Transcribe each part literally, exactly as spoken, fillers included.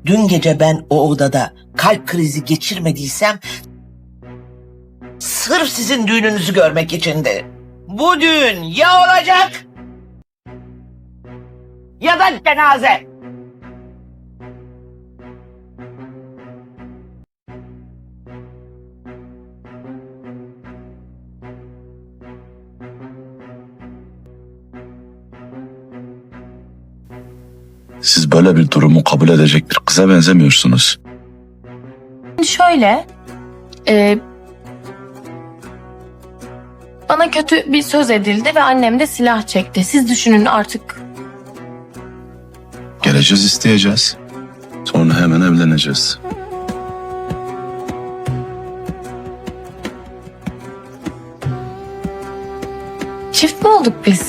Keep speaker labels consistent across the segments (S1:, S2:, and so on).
S1: Dün gece ben o odada kalp krizi geçirmediysem sırf sizin düğününüzü görmek içindi. Bu düğün ya olacak ya da cenaze.
S2: Siz böyle bir durumu kabul edecek bir kıza benzemiyorsunuz.
S3: Şöyle, e, bana kötü bir söz edildi ve annem de silah çekti. Siz düşünün artık.
S2: Geleceğiz, isteyeceğiz. Sonra hemen evleneceğiz.
S3: Çift mi olduk biz?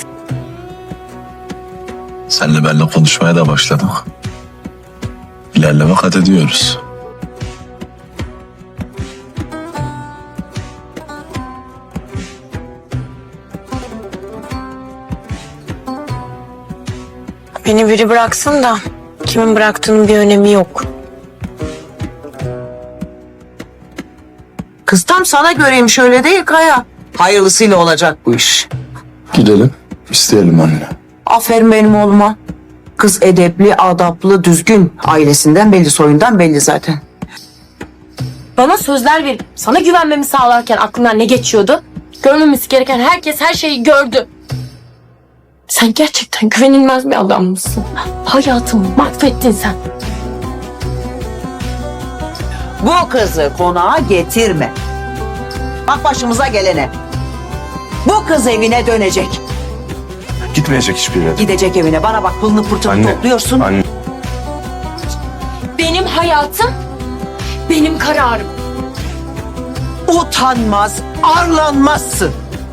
S2: Senle benle konuşmaya da başladık. İlerleme kat ediyoruz.
S4: Beni biri bıraksın da kimin bıraktığının bir önemi yok.
S5: Kız tam sana göreymiş öyle değil Kaya. Hayırlısıyla olacak bu iş.
S2: Gidelim, isteyelim anne.
S5: Aferin benim oğluma. Kız edepli, adaplı, düzgün. Ailesinden belli, soyundan belli zaten.
S3: Bana sözler verip sana güvenmemi sağlarken aklından ne geçiyordu? Görmemesi gereken herkes her şeyi gördü. Sen gerçekten güvenilmez bir adam mısın? Hayatımı mahvettin sen.
S5: Bu kızı konağa getirme. Bak başımıza gelene. Bu kız evine dönecek.
S2: Gitmeyecek hiçbir yere.
S5: Gidecek evine. Bana bak pılını pırtını topluyorsun.
S2: Anne.
S3: Benim hayatım, benim kararım.
S5: Utanmaz, arlanmazsın.